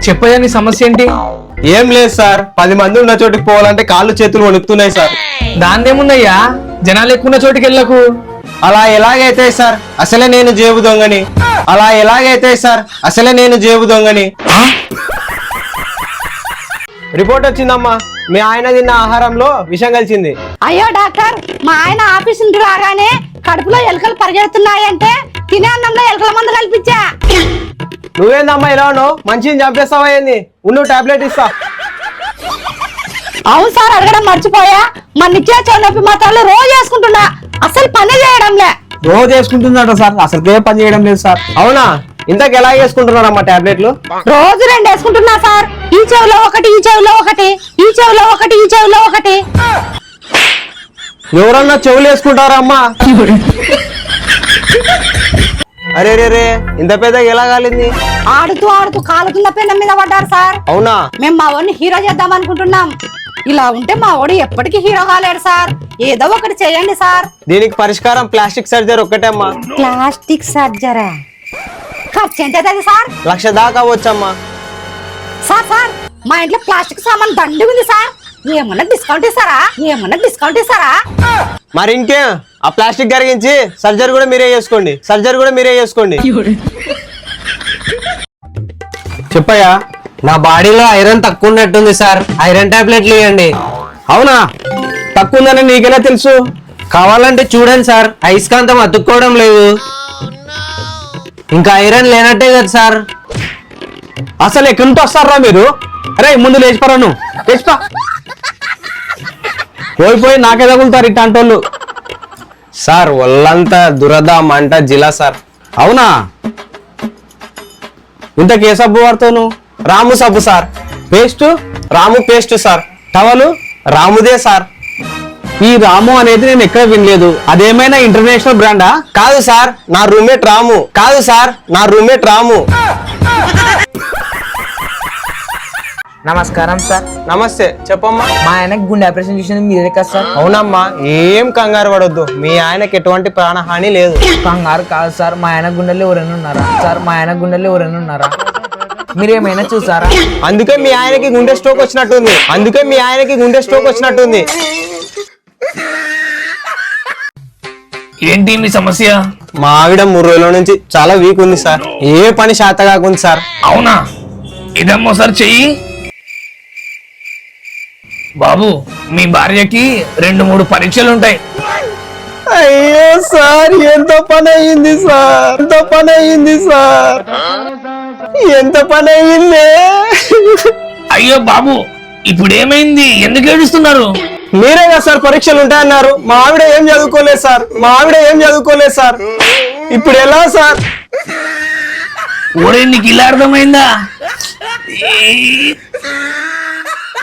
చెప్పయ్యా నీ సమస్య ఏంటి? ఏం లేదు సార్, 10 మంది ఉన్న చోటికి పోవాలంటే కాళ్ళు చేతులు వణుకుతున్నాయి సార్. దాందేముందయ్యా, జనాలు ఎక్కువ ఉన్న చోటికి వెళ్ళకు. అలా ఎలాగైతే సార్, అసలే నేను జేబు దొంగని. అలా ఎలాగైతే సార్, అసలే నేను జేబు దొంగని. రిపోర్ట్ వచ్చిందమ్మా, మీ ఆయన తిన్న ఆహారంలో విషం కలిసింది. అయ్యో డాక్టర్, మా ఆయన ఆఫీస్ నుండి రాగానే కడుపులో ఎలుకలు పరిగెడుతున్నాయంటే తినే అన్నంలో ఎలుకల మందు కల్పించా. నువ్వేందమ్మా ఇలా ఉన్నావు? మంచిని చంపేస్తావా ఏంది? ఉండు టాబ్లెట్ ఇస్తా. అవును సార్, అడగడం మర్చిపోయా. మా నిత్యాచర నొప్పి మాత్రాలు రోజు వేసుకుంటున్నా, అసలు పని చేయడంలే. రోజు వేసుకుంటున్నాడు సార్, అసలు ఏ పని చేయడం లేదు సార్. అవునా? ఇంతకు ఎలా వేసుకుంటున్నారమ్మా టాబ్లెట్లు? రోజు 2 వేసుకుంటున్నా సార్. ఈ చెవిలో ఒకటి, ఈ చెవిలో ఒకటి, ఈ చెవిలో ఒకటి, ఈ చెవిలో ఒకటి. ఎవరన్నా చెవులు వేసుకుంటారమ్మా? అరే రే రే, ఇంత పెద్దగా ఎలా కాలింది? ఆడుతూ ఆడుతూ కాలుతున్న పెన్న మీద పడ్డారు సార్. అవునా? మేము మా వాడిని హీరో చేద్దాం అనుకుంటున్నాం. ఇలా ఉంటే మా వాడు ఎప్పటికీ హీరో కాలేడు సార్. ఏదో ఒకటి చేయండి సార్. దీనికి పరిష్కారం ప్లాస్టిక్ సర్జరీ ఒక్కటే అమ్మా. ప్లాస్టిక్ సర్జరీ ఖర్చు ఎంత అవుతుంది సార్? 1,00,000 దాకా వచ్చమ్మా. సార్ సార్, మా ఇంట్లో ప్లాస్టిక్ సామాన్ దండి ఉంది సార్. ఏమన్నా డిస్కౌంట్ ఇస్తారా? ఏమన్నా డిస్కౌంట్ ఇస్తారా? మరి ఇంకేం, ఆ ప్లాస్టిక్ కరిగించి సర్జరీ కూడా మీరే చేసుకోండి. సర్జరీ కూడా మీరే చేసుకోండి. చెప్పయ్యా, నా బాడీలో ఐరన్ తక్కువ ఉన్నట్టుంది సార్, ఐరన్ టాబ్లెట్లు ఇవ్వండి. అవునా? తక్కువ ఉందని నీకెలా తెలుసు? కావాలంటే చూడండి సార్, అయస్కాంతం అతుక్కోవడం లేదు. ఇంకా ఐరన్ లేనట్టే కదా సార్. అసలు ఎక్కడి నుంచి వస్తారా మీరు? అరే ముందు లేచిపోరా, నువ్వు లేచిపో. పోయి నాకే తగులుతారు ఇట్లాంటోళ్ళు. సార్ ఒళ్ళంతా దురద మంట జిలా సార్. అవునా? ఇంతకు ఏ సబ్బు వాడతావు? రాము సబ్బు sir. Paste? Ramu paste sir. Towel? రాముదే సార్. ఈ రాము అనేది నేను ఎక్కడ వినలేదు. అదేమైనా ఇంటర్నేషనల్ బ్రాండా? కాదు సార్, నా రూమ్మేట్ రాము. కాదు సార్, నా రూమ్మేట్ రాము. నమస్కారం సార్. నమస్తే, చెప్పమ్మా. మా ఆయనకి గుండె ఆపరేషన్ చేసింది మీరే కదా సార్? అవునమ్మా, ఏం కంగారు పడొద్దు, మీ ఆయనకి ఎటువంటి ప్రాణహాని లేదు. కంగారు కాదు సార్, మా ఆయన గుండెల్లో ఎవరైనా ఉన్నారా సార్? మా ఆయన గుండెల్లో ఎవరైనా ఉన్నారా? మీరేమైనా చూసారా? అందుకే మీ ఆయనకి గుండె స్ట్రోక్ వచ్చినట్టుంది. అందుకే మీ ఆయనకి గుండె స్ట్రోక్ వచ్చినట్టుంది. ఏంటి మీ సమస్య? మా ఆవిడ 3 రోజుల నుంచి చాలా వీక్ ఉంది సార్. ఏ పని శాత కాకుంది సార్. అవునా? ఇదమ్మో సార్ చెయ్యి. బాబు, మీ భార్యకి 2-3 పరీక్షలు ఉంటాయి. అయ్యో సార్, ఎంత పని అయ్యింది సార్, ఎంత పని అయ్యింది సార్, ఎంత పని అయ్యింది. అయ్యో బాబు, ఇప్పుడు ఏమైంది? ఎందుకు ఏడుస్తున్నారు? మీరే కదా సార్ పరీక్షలు ఉంటాయన్నారు. మా ఆవిడ ఏం చదువుకోలేదు సార్, మా ఆవిడ ఏం చదువుకోలేదు సార్. ఇప్పుడు ఎలా సార్? ఓరే, నీకు ఇలా అర్థమైందా?